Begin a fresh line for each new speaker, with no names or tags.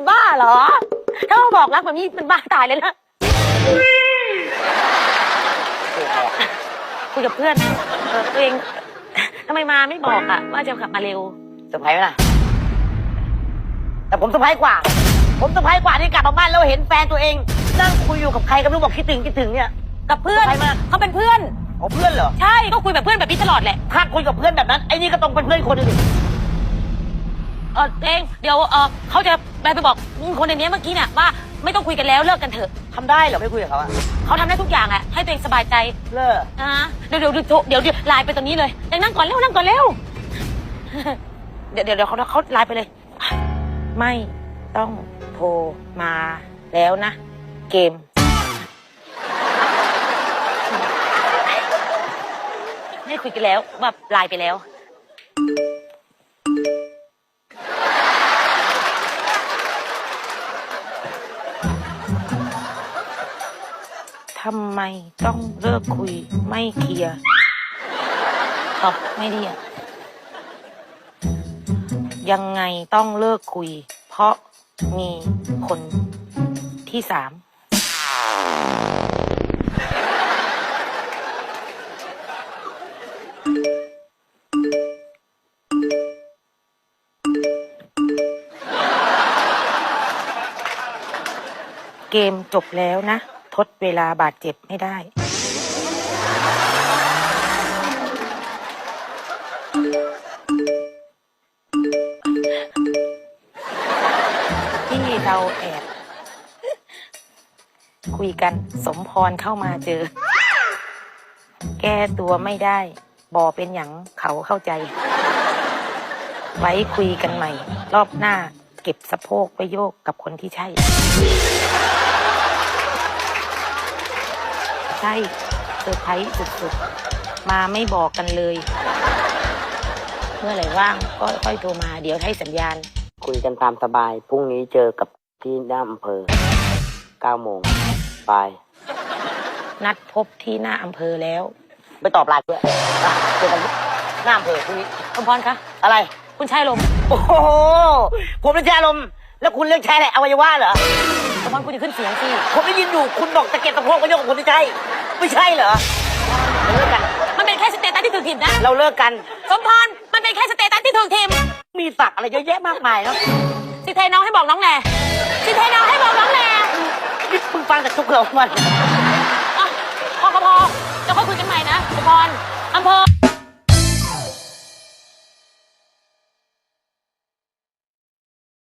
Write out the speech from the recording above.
บ้าเหรอถ้ามาบอกรักแบบนี้เป็นบ้าตายเลยนะคุยกับเพื่อนตัวเองทำไมมาไม่บอกอะว่าจะกลับมาเร็ว
เซอร์ไพรส์ไหมล่ะแต่ผมเซอร์ไพรส์กว่าที่กลับมาบ้านแล้วเห็นแฟนตัวเองนั่งคุยอยู่กับใครก็ไม่รู้บอกคิดถึงเนี่ย
กับเพื่อนเขาเป็นเพื่อน
อ๋อเพื่อนเหรอ
ใช่ก็คุยแบบเพื่อนแบบนี้ตลอดแหละ
ถ้าคุยกับเพื่อนแบบนั้นไอ้นี่ก็ต้องเป็นเพื่อนคนนึง
เองเดี๋ยวเขาจะไปบอกคนในนี้เมื่อกี้เนี่ยว่าไม่ต้องคุยกันแล้วเลิกกันเถอะ
ทำได้เหรอไม่คุยกับเขาอะ
เขาทำได้ทุกอย่างอะให้ตัวเองสบายใจ
เลิก
เดี๋ยวไลน์ไปตรงนี้เลยนั่งก่อนเร็วเดี๋ยวเขาไลน์ไปเลยไม่ต้องโทรมาแล้วนะเกมไม่คุยกันแล้วแบบไลน์ไปแล้วทำไมต้องเลิกคุยไม่เคลียร์ตอบไม่ดีอะยังไงต้องเลิกคุยเพราะมีคนที่3เกมจบแล้วนะทดเวลาบาดเจ็บไม่ได้ที่เราแอบคุยกันสมพรเข้ามาเจอแก้ตัวไม่ได้บอเป็นหยังเขาเข้าใจไว้คุยกันใหม่รอบหน้าเก็บสะโพกไปโยกกับคนที่ใช่ใช่เซอร์ไพรส์สุดๆมาไม่บอกกันเลยเมื่อไหร่ว่างก็ค่อยโทรมาเดี๋ยวให้สัญญาณ
คุยกันตามสบายพรุ่งนี้เจอกับที่หน้าอำเภอ9 โมงไป
นัดพบที่หน้าอำเภอแล้ว
ไปตอบไลน์ด้วยเจอกันหน้าอำเภอพรุ่งนี้
สมพรคะ
อะไร
คุณชายลม
โอ้โหผมเป็นชายลมแล้วคุณเลือกใช้อะไรอวัยวะเหรอ
สมพรคุณจะขึ้นเสียงสิ
ผมได้ยินอยู่คุณบอกจะเก็บสะโพกไปโยกกับคนที่ใช่ไม่ใช่เหรอเราเลิกกัน
มันเป็นแค่สเตตัสที่ถูกทิมนะ
เราเลิกกัน
สมพรมันเป็นแค่สเตตัสที่ถูกทิม
มีศักดิ์อะไรเยอะแยะมากมายครับ
สิเทน้องให้บอกน้องแหน่สิเทน้องให้บอกน้องแหน่
นี่มึงฟังจากทุกเราวัน
พอจะค่อยคุยกันใหม่นะสมพรอำเภอ